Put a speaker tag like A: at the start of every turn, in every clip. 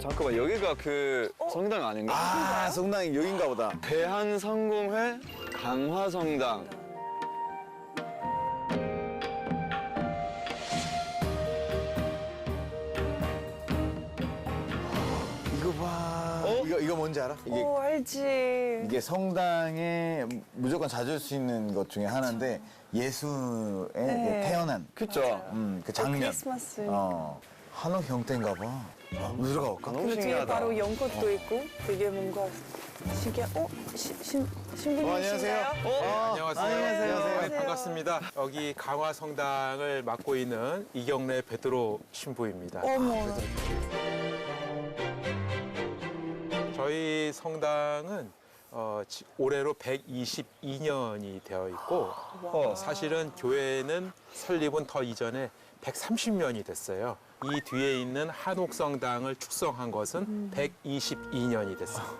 A: 잠깐만, 여기가 그 성당 아닌가?
B: 아, 성당이 여긴가 보다.
A: 대한성공회 강화성당.
B: 이거 봐. 이거 뭔지 알아?
C: 오, 알지.
B: 이게 성당에 무조건 찾을 수 있는 것 중에 하나인데 예수의 태어난
A: 그쵸?
B: 그 장면.
C: 크리스마스.
B: 한옥 형태인가 봐. 들어가 볼까?
A: 너무
C: 그리고 뒤에
A: 신기하다.
C: 바로 연꽃도 있고 되게 뭔가 신기한. 신부님이신가요?
B: 안녕하세요.
D: 안녕하세요.
B: 안녕하세요.
D: 네, 반갑습니다. 여기 강화성당을 맡고 있는 이경래 베드로 신부입니다.
C: 어머.
D: 저희 성당은 올해로 122년이 되어 있고 사실은 교회는 설립은 더 이전에 130년이 됐어요. 이 뒤에 있는 한옥성당을 축성한 것은 122년이 됐어요.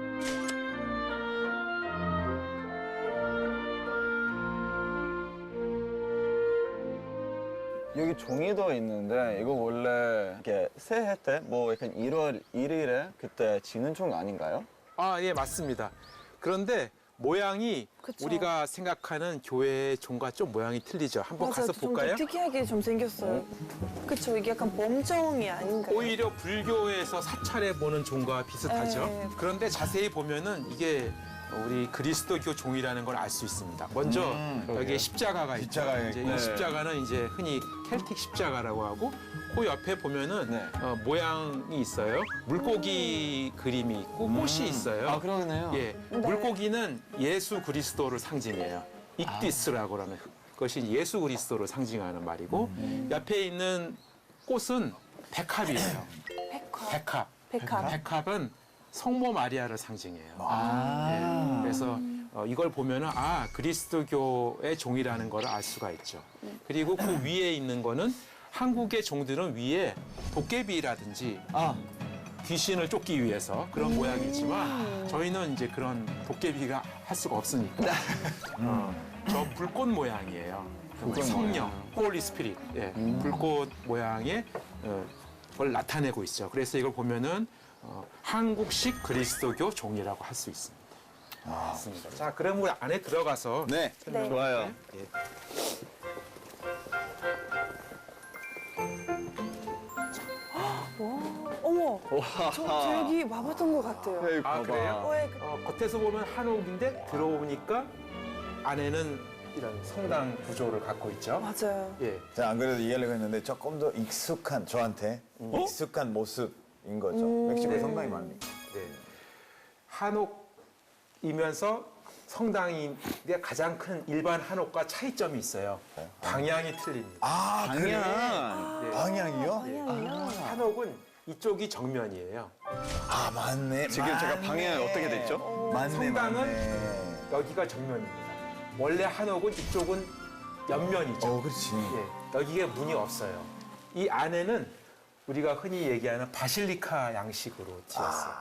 A: 여기 종이도 있는데 이거 원래 이렇게 새해 때 뭐 약간 1월 1일에 그때 지는 종 아닌가요?
D: 아, 예, 맞습니다. 그런데 모양이
C: 그쵸.
D: 우리가 생각하는 교회의 종과 좀 모양이 틀리죠. 한번
C: 맞아,
D: 가서
C: 좀
D: 볼까요?
C: 특이하게 좀 생겼어요. 그쵸, 이게 약간 범종이 아닌가요?
D: 오히려 불교에서 사찰해 보는 종과 비슷하죠.
C: 네.
D: 그런데 자세히 보면은 이게 우리 그리스도교 종이라는 걸 알 수 있습니다. 먼저 여기에 십자가가 있죠.
B: 십자가가
D: 이제
A: 있고.
D: 이 십자가는 이제 흔히 켈틱 십자가라고 하고 그 옆에 보면은
A: 네.
D: 모양이 있어요. 물고기 그림이 있고 꽃이 있어요.
A: 아, 그러네요.
D: 예, 물고기는 예수 그리스도를 상징해요. 익디스라고 하는 것이 예수 그리스도를 상징하는 말이고 옆에 있는 꽃은 백합이에요.
C: 백합.
D: 백합. 백합은 성모 마리아를 상징해요. 예, 그래서 이걸 보면은 그리스도교의 종이라는 걸 알 수가 있죠. 그리고 그 위에 있는 거는 한국의 종들은 위에 도깨비라든지 귀신을 쫓기 위해서 그런 모양이지만 저희는 이제 그런 도깨비가 할 수가 없으니까 저 불꽃 모양이에요. 성령, 홀리 스피릿, 예, 불꽃 모양의 걸 나타내고 있죠. 그래서 이걸 보면은 한국식 그리스도교 종이라고 할 수 있습니다. 맞습니다. 자, 그럼 우리 안에 들어가서
B: 네.
C: 네.
A: 좋아요.
D: 예.
C: 어머, 저 여기 와봤던 것 같아요.
A: 여기
D: 아,
A: 봐봐.
D: 그래요?
C: 예,
D: 겉에서 보면 한옥인데 들어오니까 안에는 이런 성당 구조를 갖고 있죠.
C: 맞아요.
D: 예.
B: 자, 안 그래도 이해하려고 했는데 조금 더 익숙한, 저한테 익숙한 모습인 거죠. 멕시코에 성당이 많으니까.
D: 네. 한옥이면서 성당이 가장 큰 일반 한옥과 차이점이 있어요. 방향이 틀립니다.
B: 아,
A: 방향.
D: 네.
B: 방향이요?
D: 한옥은 이쪽이 정면이에요.
B: 아, 맞네.
A: 지금 제가 방향이 어떻게 됐죠?
B: 맞네,
D: 성당은
B: 맞네.
D: 여기가 정면입니다. 원래 한옥은 이쪽은 옆면이죠.
B: 그렇지.
D: 예, 여기에 문이 없어요. 이 안에는 우리가 흔히 얘기하는 바실리카 양식으로 지었어요.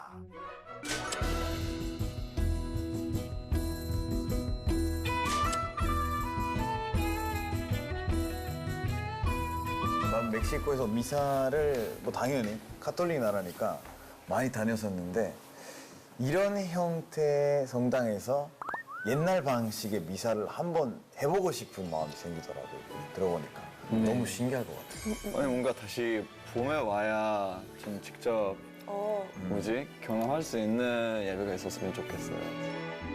B: 난 멕시코에서 미사를 뭐 당연히 카톨릭 나라니까 많이 다녔었는데 이런 형태의 성당에서 옛날 방식의 미사를 한번 해보고 싶은 마음이 생기더라고요. 들어보니까 너무 신기할 것 같아요.
A: 아니, 뭔가 다시 봄에 와야 좀 직접 경험할 수 있는 예배가 있었으면 좋겠어요.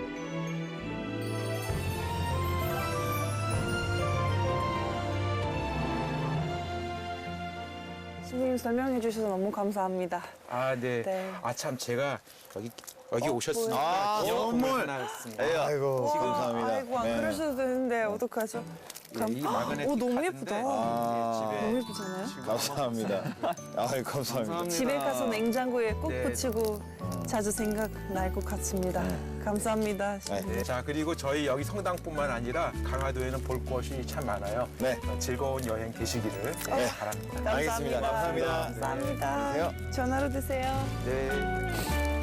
C: 신부님 설명해 주셔서 너무 감사합니다.
D: 아, 네.
C: 네.
D: 아, 참, 제가 여기 오셨으니까
B: 아,
D: 기념품을
B: 선물!
D: 하나 했습니다.
B: 아이고,
C: 와,
B: 감사합니다.
C: 아이고, 안
B: 네.
C: 그러셔도 되는데 어떡하죠?
D: 예, 이 마그네틱
C: 오, 너무
D: 카드인데
C: 예쁘다.
D: 이제
C: 너무
D: 집에
C: 예쁘잖아요?
B: 감사합니다. 아이, 감사합니다.
A: 감사합니다.
C: 집에 가서 냉장고에 꼭
D: 네.
C: 붙이고 자주 생각날 것 같습니다. 감사합니다.
D: 네, 자, 그리고 저희 여기 성당뿐만 아니라 강화도에는 볼 곳이 참 많아요.
B: 네.
D: 즐거운 여행 되시기를 바랍니다.
B: 알겠습니다. 감사합니다.
C: 감사합니다.
B: 네. 안녕히 계세요.
C: 전화로 드세요.
D: 네.